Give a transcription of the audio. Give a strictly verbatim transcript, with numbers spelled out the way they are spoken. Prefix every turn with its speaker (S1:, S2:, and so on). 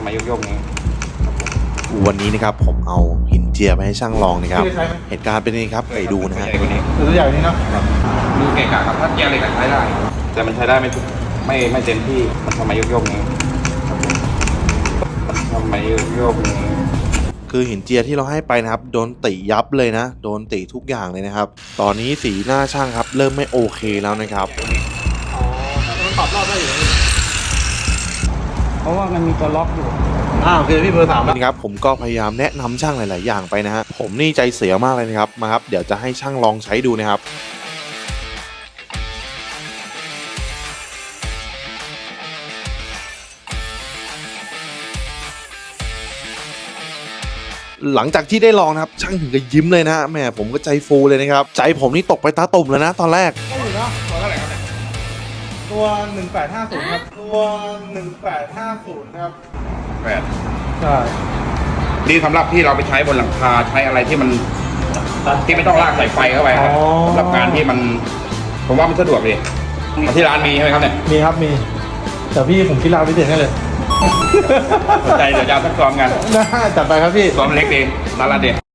S1: ำไมโยกๆนี้
S2: วันนี้นะครับผมเอาหินเจียไปให้ช่างลองนะครับเหตุการณ์เป็นยังไงครับไปดูนะฮะ
S3: ตัวใหญ่นี้เนาะ
S1: ดูเก่งกาครับถ้าเกียร์เหล็กใช้ได้แต่มันใช้ได้ไม่ไม่ไม่เต็มที่มันทำไมโยกๆนี้ทำไมโยกๆนี้
S2: คือหินเจียที่เราให้ไปนะครับโดนติยับเลยนะโดนติทุกอย่างเลยนะครับตอนนี้สีหน้าช่างครับเริ่มไม่โอเคแล้วนะครับ
S3: อ๋อมันปรับรอบได้อยู่เพราะว่ามันมีตัวล็อกอยู่อ้าวโอเคพี่เบอร์สามแล้ว
S2: นี่ครับผมก็พยายามแนะนำช่างหลายๆอย่างไปนะฮะผมนี่ใจเสียมากเลยนะครับมาครับเดี๋ยวจะให้ช่างลองใช้ดูนะครับหลังจากที่ได้ลองนะครับช่างถึงกับยิ้มเลยนะแม่ผมก็ใจฟูเลยนะครับใจผมนี่ตกไปตาตุ่มแล้วนะตอนแรก
S3: ก็อยู่เนาะตัวเท่าไหร่ครับเนี่ยตัวหนึ่งแปดห้าศูนย์ครับตัวหนึ่งแปดห้าศูนย์ครับ
S1: แปด
S3: ใช่
S1: ดีสำหรับที่เราไปใช้บนหลังคาใช้อะไรที่มันที่ไม่ต้องลากสายไฟเข้าไปครับสำหรับงานที่มันผมว่ามันสะดวกดีที่ร้านมีใช่ไหมครับเนี่ย
S3: มีครับมีแต่พี่ผมคิดราพิเศษให้เลย
S1: สนใจเดี๋ยวจะเอาสักซ้อมกัน
S3: ได้จัดไปครับพี่
S1: ซ้อมเล็กดีร้านละเด็ด